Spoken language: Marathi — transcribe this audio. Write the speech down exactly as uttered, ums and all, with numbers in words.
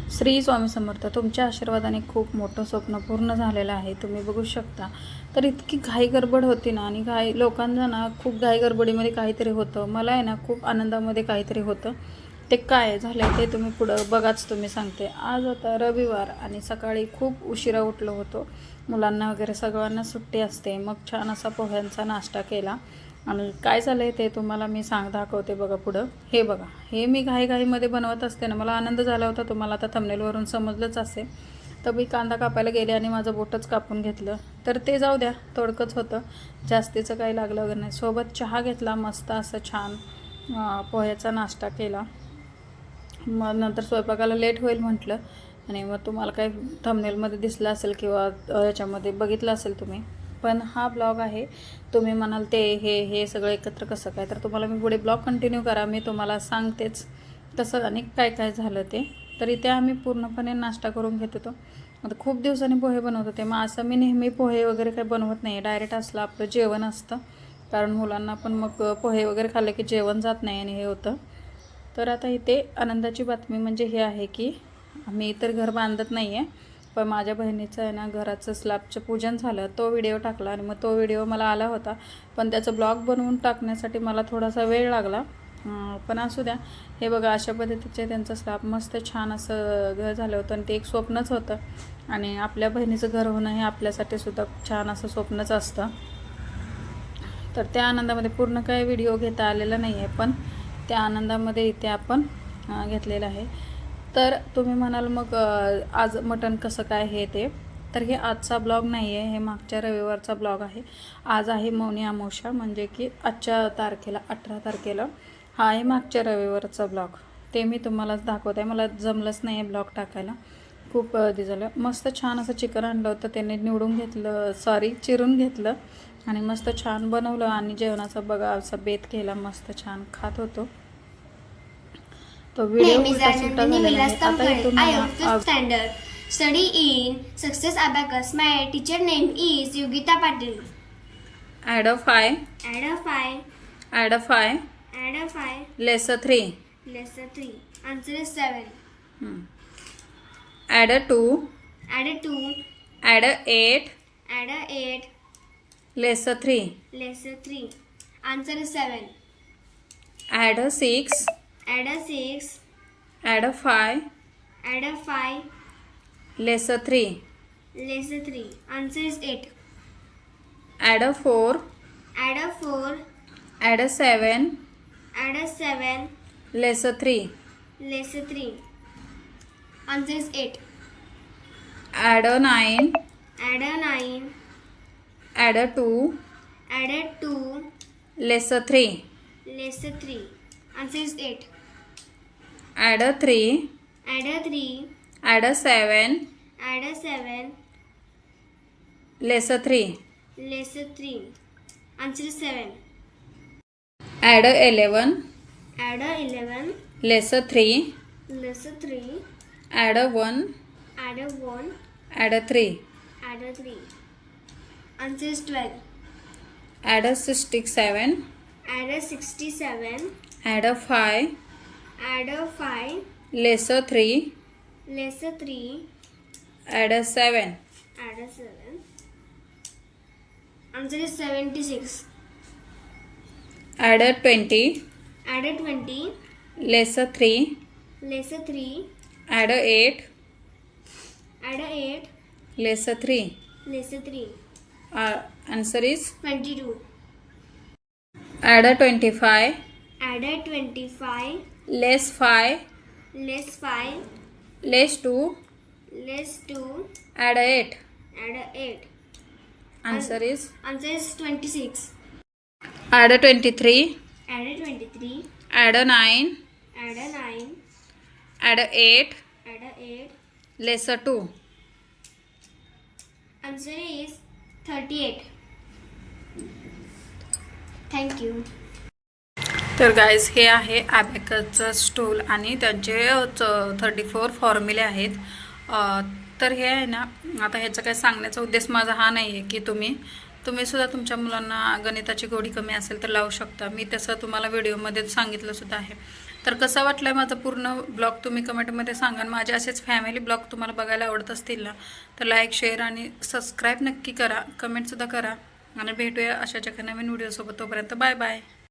श्री स्वामी समर्थ. तुमच्या आशीर्वादाने खूप मोठं स्वप्न पूर्ण झालेलं आहे. तुम्ही बघू शकता. तर इतकी घाई गडबड होती ना, आणि घाई लोकांना ना खूप घाई गडबडीमध्ये काहीतरी होतं. मला आहे ना खूप आनंदामध्ये काहीतरी होतं. ते काय झालं ते तुम्ही पुढं बघाच. तुम्ही सांगते. आज होता रविवार आणि सकाळी खूप उशिरा उठलो होतो. मुलांना वगैरे सगळ्यांना सुट्टी असते. मग छान असा पोह्यांचा नाश्ता केला. आणि काय झालं आहे ते तुम्हाला मी सांग दाखवते बघा पुढं. हे बघा, हे मी घाईघाईमध्ये बनवत असते ना, मला आनंद झाला होता. तुम्हाला आता थंबनेलवरून समजलंच असेल. तर मी कांदा कापायला गेले आणि माझं बोटच कापून घेतलं. तर ते जाऊ द्या, थोडकंच होतं, जास्तीचं काही लागलं वगैरे नाही. सोबत चहा घेतला, मस्त असं छान पोह्याचा नाश्ता केला. मग नंतर स्वयंपाकाला लेट होईल म्हटलं, आणि मग तुम्हाला काही थंबनेलमध्ये दिसलं असेल किंवा याच्यामध्ये बघितलं असेल तुम्ही. पण हा ब्लॉग आहे. तुम्ही म्हणाल ते हे हे सगळं एकत्र कसं काय, तर तुम्हाला मी पुढे ब्लॉग कंटिन्यू करा, मी तुम्हाला सांगतेच कसं आणि काय काय झालं ते. तर इथे आम्ही पूर्णपणे नाश्ता करून घेत होतो. आता खूप दिवसांनी पोहे बनवत होते. मग असं मी नेहमी पोहे वगैरे काही बनवत नाही, डायरेक्ट असलं आपलं जेवण असतं. कारण मुलांना पण मग पोहे वगैरे खाल्ले की जेवण जात नाही आणि हे होतं. तर आता इथे आनंदाची बातमी म्हणजे हे आहे की आम्ही तर घर बांधत नाही आहे, पण माझ्या बहिणीचं आहे ना घराचं स्लॅबचं पूजन झालं, तो व्हिडिओ टाकला. आणि मग तो व्हिडिओ मला आला होता, पण त्याचं ब्लॉग बनवून टाकण्यासाठी मला थोडासा वेळ लागला. पण असू द्या. हे बघा, अशा पद्धतीचे त्यांचं स्लॅब मस्त छान असं घर झालं होतं. आणि ते एक स्वप्नच होतं. आणि आपल्या बहिणीचं घर होणं हे आपल्यासाठी सुद्धा छान असं स्वप्नच असतं. तर त्या आनंदामध्ये पूर्ण काही व्हिडिओ घेता आलेला नाही आहे, पण त्या आनंदामध्ये इथे आपण घेतलेलं आहे. तर तुम्ही म्हणाल मग आज मटण कसं काय हे ते. तर हे आजचा ब्लॉग नाही आहे, हे मागच्या रविवारचा ब्लॉग आहे. आज आहे मौनी अमावस्या, म्हणजे की आजच्या तारखेला अठरा तारखेला हा आहे मागच्या रविवारचा ब्लॉग. ते मी तुम्हालाच दाखवते. मला जमलंच नाही आहे ब्लॉग टाकायला, खूप दिवस झालं. मस्त छान असं चिकन आणलं होतं, त्याने निवडून घेतलं, सॉरी चिरून घेतलं आणि मस्त छान बनवलं. आणि जेवणाचा बघा असा बेत केला, मस्त छान खात होतो. तो व्हिडिओ उलटा सुलटा झालेला आहे. आता इथून standard study in success abacus. My teacher name is Yogita Patil. Add a five add a five add a five add a five less a three less three. Answer is seven. Add a two add a two add a eight add a eight less a three less three. Answer is seven. Add a six add a six add a five add a five less a three less three. Answer is eight. Add a four add a four add a seven add a seven less a three less three. Answer is eight. Add a nine add a nine add a two add a two less a three less three. Answer is eight. Add a three add a three add a seven add a seven less a three less three. Answer is seven. Add a eleven add a eleven less a three less three add a one add a one add a three add a three. Answer is twelve. Add a sixty seven add a sixty seven add a five add a five less a three less three add a seven add a seven. Answer is seventy six. Add a twenty add a twenty less a three less three add a eight add a eight less a three. Less three. Answer is twenty two. Add a twenty five add a twenty five less five less five less two less two add a eight. Add a eight. Answer is answer is twenty six. Add a twenty three add a twenty three add a nine add a nine add a eight add a eight. Less a two. Answer is thirty eight. Thank you. तर गाईज हे आहे ॲबॅकसचं स्टूल आणि त्यांचे थर्टी फोर फॉर्म्युले आहेत. तर हे आहे ना, आता ह्याचा काय सांगण्याचा उद्देश माझा हा नाही आहे की तुम्ही तुम्ही सुद्धा तुमच्या मुलांना गणिताची गोडी कमी असेल तर लावू शकता. मी तसं तुम्हाला व्हिडिओमध्ये सांगितलं सुद्धा आहे. तर कसा वाटलाय माझा पूर्ण ब्लॉग तुम्ही कमेंटमध्ये सांगा. माझे असेच फॅमिली ब्लॉग तुम्हाला बघायला आवडत असतील ना तर लाईक शेअर आणि सबस्क्राईब नक्की करा, कमेंटसुद्धा करा आणि भेटूया अशाच एका नवीन व्हिडिओसोबत. तोपर्यंत बाय बाय.